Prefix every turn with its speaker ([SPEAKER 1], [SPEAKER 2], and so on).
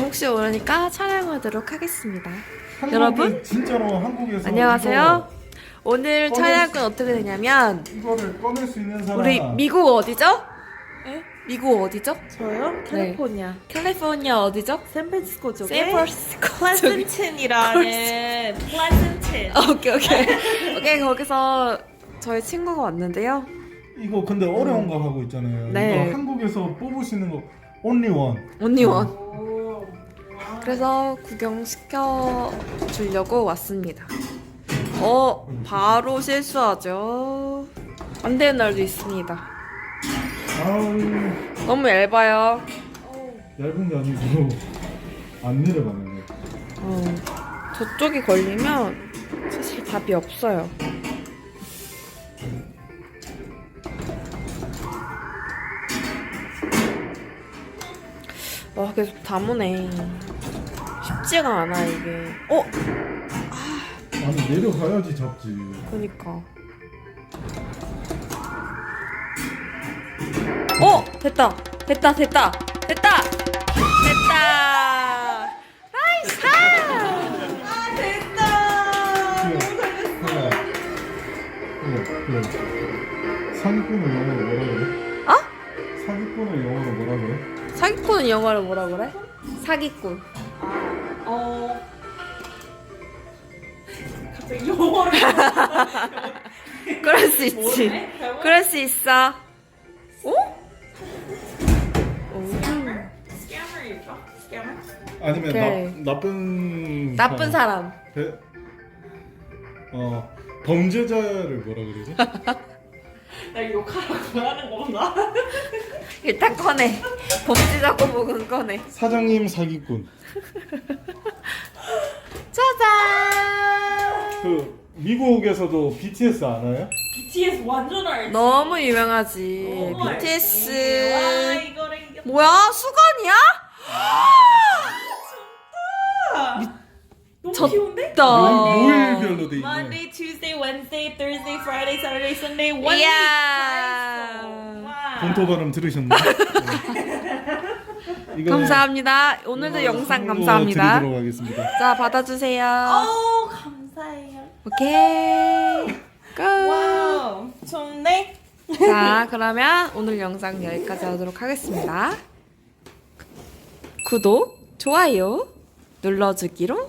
[SPEAKER 1] 영웅씨 오르니까 촬영하도록 하겠습니다. 여러분
[SPEAKER 2] 진짜로 한국에서
[SPEAKER 1] 안녕하세요. 오늘 촬영은 어떻게 되냐면
[SPEAKER 2] 이거를 꺼낼 수 있는 사람
[SPEAKER 1] 우리 미국 어디죠?
[SPEAKER 3] 네?
[SPEAKER 1] 미국 어디죠?
[SPEAKER 3] 저요? 캘리포니아.
[SPEAKER 1] 캘리포니아 어디죠?
[SPEAKER 3] 샌프란시스코 쪽에
[SPEAKER 1] 샌프란시스코 쪽에.
[SPEAKER 3] 플레센틴이라는 플레센틴.
[SPEAKER 1] 오케이 거기서 저희 친구가 왔는데요.
[SPEAKER 2] 이거 근데 어려운 거 하고 있잖아요.
[SPEAKER 1] 네.
[SPEAKER 2] 이거 한국에서 뽑으시는 거 only one.
[SPEAKER 1] 언니원.
[SPEAKER 3] 오.
[SPEAKER 1] 그래서 구경시켜 주려고 왔습니다. 바로 실수하죠. 안 되는 날도 있습니다.
[SPEAKER 2] 아우
[SPEAKER 1] 너무 얇아요.
[SPEAKER 2] 얇은 게 아니고 안 내려가네.
[SPEAKER 1] 저쪽이 걸리면 사실 답이 없어요. 와 계속 다무네. 쉽지가 않아 이게.
[SPEAKER 2] 아니 내려가야지 잡지.
[SPEAKER 1] 그니까. 됐다. 나이스!
[SPEAKER 3] 아 됐다.
[SPEAKER 2] 그래. 사기꾼을 영어로 뭐라 그래? 사기꾼을 영어로 뭐라 그래?
[SPEAKER 1] 사기꾼은 영어로 뭐라 그래? 사기꾼.
[SPEAKER 3] 갑자기 영어를.
[SPEAKER 1] 그럴 수 있지. 그럴 수 있어.
[SPEAKER 3] 스캐머일까? 스캐머?
[SPEAKER 2] 아니면
[SPEAKER 1] 오케이.
[SPEAKER 2] 나쁜
[SPEAKER 1] 사람.
[SPEAKER 2] 범죄자를 뭐라 그러지?
[SPEAKER 3] 나 욕하라고 하는 건가?
[SPEAKER 1] 일단 꺼내. 범죄자 꼬북은 꺼내.
[SPEAKER 2] 사장님 사기꾼.
[SPEAKER 1] 짜잔!
[SPEAKER 2] 미국에서도 BTS 아나요?
[SPEAKER 3] BTS 완전 알지.
[SPEAKER 1] 너무 유명하지.
[SPEAKER 3] 너무 알지.
[SPEAKER 1] BTS.
[SPEAKER 3] 와 이거를 이겨.
[SPEAKER 1] 뭐야? 수건이야?
[SPEAKER 3] 너무 귀여운데?
[SPEAKER 2] 요일별로 돼 있네.
[SPEAKER 3] Monday, Tuesday, Wednesday, Thursday, Friday, Saturday, Sunday, one
[SPEAKER 1] 이야.
[SPEAKER 3] week. 와.
[SPEAKER 2] 본토 발음 들으셨나요? 이거
[SPEAKER 1] 감사합니다. 오늘도 영상 감사합니다.
[SPEAKER 2] 드리도록 하겠습니다.
[SPEAKER 1] 자, 받아주세요.
[SPEAKER 3] 오 감사해요.
[SPEAKER 1] 오케이. 끝.
[SPEAKER 3] 와우 좋네.
[SPEAKER 1] 자, 그러면 오늘 영상 여기까지 하도록 하겠습니다. 구독, 좋아요 눌러주기로